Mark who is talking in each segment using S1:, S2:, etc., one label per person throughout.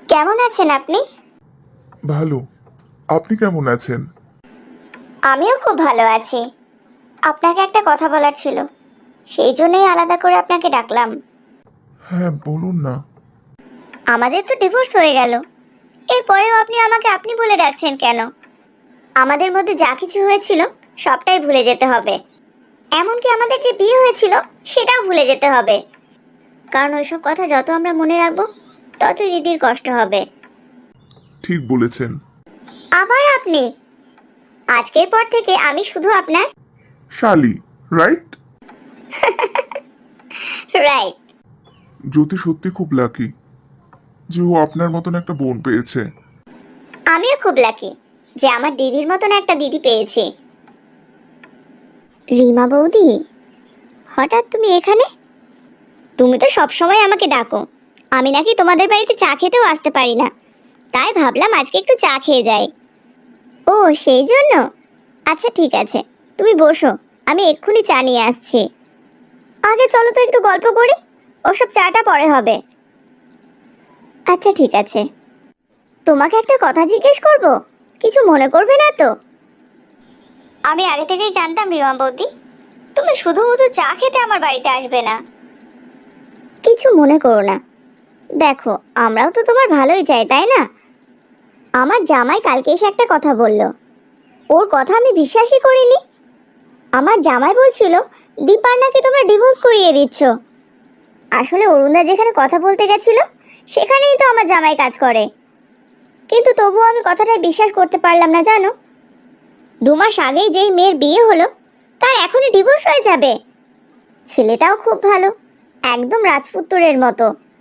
S1: কেমন আছেন আপনি?
S2: ভালো। আপনি কেমন আছেন?
S1: আমিও খুব ভালো আছি। আপনাকে একটা কথা বলার ছিল, সেই জন্যই আলাদা করে আপনাকে ডাকলাম।
S2: হ্যাঁ, বলুন না।
S1: আমাদের তো ডিভোর্স হয়ে গেল, এরপরেও আপনি আমাকে আপনি বলে ডাকছেন কেন? আমাদের মধ্যে যা কিছু হয়েছিল সবটাই ভুলে যেতে হবে। এমনকি আমাদের যে বিয়ে হয়েছিল সেটাও ভুলে যেতে হবে। কারণ ওইসব কথা যত আমরা মনে রাখবো ততই দিদির কষ্ট হবে।
S2: ঠিক বলেছেন।
S1: আবার আপনি? আজকের পর থেকে আমি শুধু আপনার।
S2: শালি, রাইট?
S1: রাইট।
S2: জ্যোতি সত্যি খুব লাকি যে ও আপনার মতন একটা বোন পেয়েছে।
S1: আমিও খুব লাকি যে আমার দিদির মতন একটা দিদি পেয়েছি। রিমা বৌদি, হঠাৎ তুমি এখানে? তুমি তো সবসময় আমাকে ডাকো, আমি নাকি তোমাদের বাড়িতে চা খেতেও আসতে পারি না, তাই ভাবলাম আজকে একটু চা খেয়ে যাই। ও, সেই জন্য? আচ্ছা ঠিক আছে, তুমি বসো, আমি এক্ষুনি চা নিয়ে আসছি। আগে চলো তো একটু গল্প করি, ওসব চাটা পরে হবে। আচ্ছা ঠিক আছে। তোমাকে একটা কথা জিজ্ঞেস করব, কিছু মনে করবে না তো? আমি আগে থেকেই জানতাম রিমা বৌদি, তুমি শুধু শুধু চা খেতে আমার বাড়িতে আসবে না। কিছু মনে করো না। দেখো, আমরাও তো তোমার ভালোই চাই, তাই না? আমার জামাই কালকে এসে একটা কথা বলল, ওর কথা আমি বিশ্বাসই করিনি। আমার জামাই বলছিল দীপার নাকি তোমরা ডিভোর্স করিয়ে দিচ্ছ। আসলে অরুণদা যেখানে কথা বলতে গেছিল সেখানেই তো আমার জামাই কাজ করে, কিন্তু তবুও আমি কথাটায় বিশ্বাস করতে পারলাম না জানো। 2 মাস আগেই যেই মেয়ের বিয়ে হলো তার এখনই ডিভোর্স হয়ে যাবে। ছেলেটাও খুব ভালো, একদম রাজপুত্রের মতো।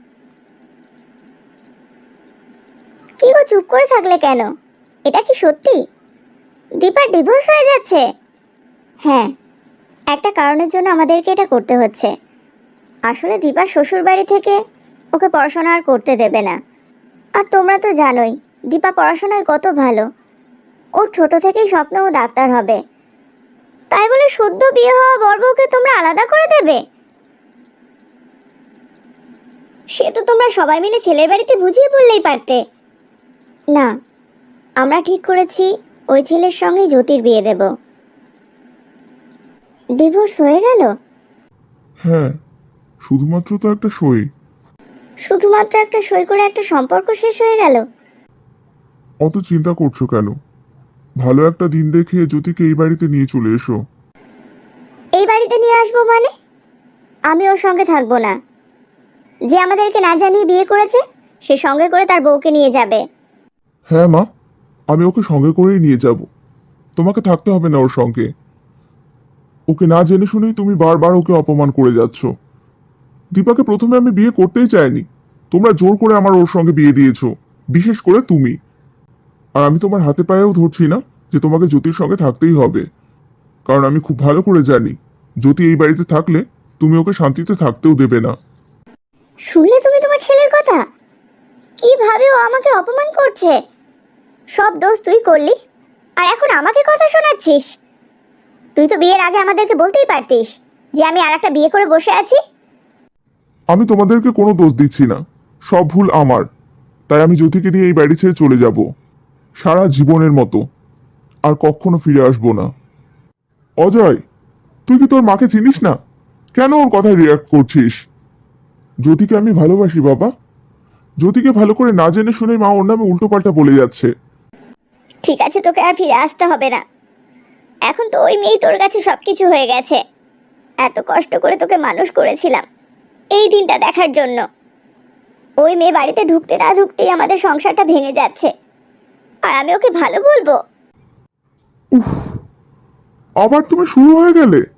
S1: কি গো, চুপ করে থাকলে কেন? এটা কি সত্যি দীপার ডিভোর্স হয়ে যাচ্ছে? হ্যাঁ, একটা কারণের জন্য আমাদেরকে এটা করতে হচ্ছে। আসলে দীপার শ্বশুর বাড়ি থেকে ওকে পড়াশোনা আর করতে দেবে না। আর তোমরা তো জানোই দীপা পড়াশোনায় কত ভালো, ওর ছোট থেকেই স্বপ্ন ও ডাক্তার হবে। তাই বলে সদ্য বিয়ে হওয়া বর বউকে তোমরা আলাদা করে দেবে? সে তো তোমরা সবাই মিলে ছেলের বাড়িতে বুঝিয়ে বললেই পারতে। না, আমরা ঠিক করেছি ওই ছেলের সঙ্গে জ্যোতির বিয়ে দেব। ডিভোর্স হয়ে গেল?
S2: হ্যাঁ, শুধুমাত্র তো একটা সই।
S1: শুধুমাত্র একটা সই করে একটা সম্পর্ক শেষ হয়ে গেল?
S2: অত চিন্তা করছো কেন? ভালো একটা দিন দেখে জ্যোতিকে এই বাড়িতে নিয়ে চলে এসো।
S1: এই বাড়িতে নিয়ে আসবো মানে? আমি ওর সঙ্গে থাকবো না। যে আমাদেরকে না জানিয়ে বিয়ে করেছে সে সঙ্গে করে তার বউকে নিয়ে যাবে।
S2: হ্যাঁ মা, আমি ওকে সঙ্গে করেই নিয়ে যাব। তোমাকে থাকতে হবে না ওর সঙ্গে। ওকে না জেনে শুনেই তুমি বারবার ওকে অপমান করে যাচ্ছ। দীপাকে প্রথমে আমি বিয়ে করতেই চাইনি, তোমরা জোর করে আমার ওর সঙ্গে বিয়ে দিয়েছো, বিশেষ করে তুমি। আর আমি তোমার হাতে পায়েও ধরছি না যে তোমাকে জ্যোতির সঙ্গে থাকতেই হবে, কারণ আমি খুব ভালো করে জানি জ্যোতি এই বাড়িতে থাকলে তুমি ওকে শান্তিতে থাকতেও দেবে না।
S1: শুনলে তুমি তোমার ছেলের কথা? কিভাবে ও আমাকে অপমান করছে! সব দোষ তুই করলি, আর এখন আমাকে কথা শোনাচ্ছিস? তুই তো বিয়ের আগে আমাদেরকে বলতেই পারতিস যে আমি আরেকটা বিয়ে করে বসে আছি।
S2: আমি তোমাদেরকে কোনো দোষ দিচ্ছি না, সব ভুল আমার। তাই আমি জ্যোতিকে নিয়ে এই বাড়ি ছেড়ে চলে যাব, সারা জীবনের মতো। আর কখনো ফিরে আসবো না। অজয়, তুই কি তোর মাকে চিনিস না? কেন ওর কথায় রিয়াক্ট করছিস? জ্যোতিকে আমি ভালোবাসি বাবা। জ্যোতিকে ভালো করে না জেনে শুনে মা ওর নামে উল্টোপাল্টা বলে যাচ্ছে।
S1: ঠিক আছে, তোকে আর ফিরে আসতে হবে না। এখন তো ওই মেয়েই তোর কাছে সবকিছু হয়ে গেছে। এত কষ্ট করে তোকে মানুষ করেছিলাম এই দিনটা দেখার জন্য। ওই মেয়ে বাড়িতে ঢুকতে না ঢুকতেই আমাদের সংসারটা ভেঙে যাচ্ছে, আর আমি ওকে ভালো বলবো?
S2: উফ, আবার তুমি শুরু হয়ে গেলে।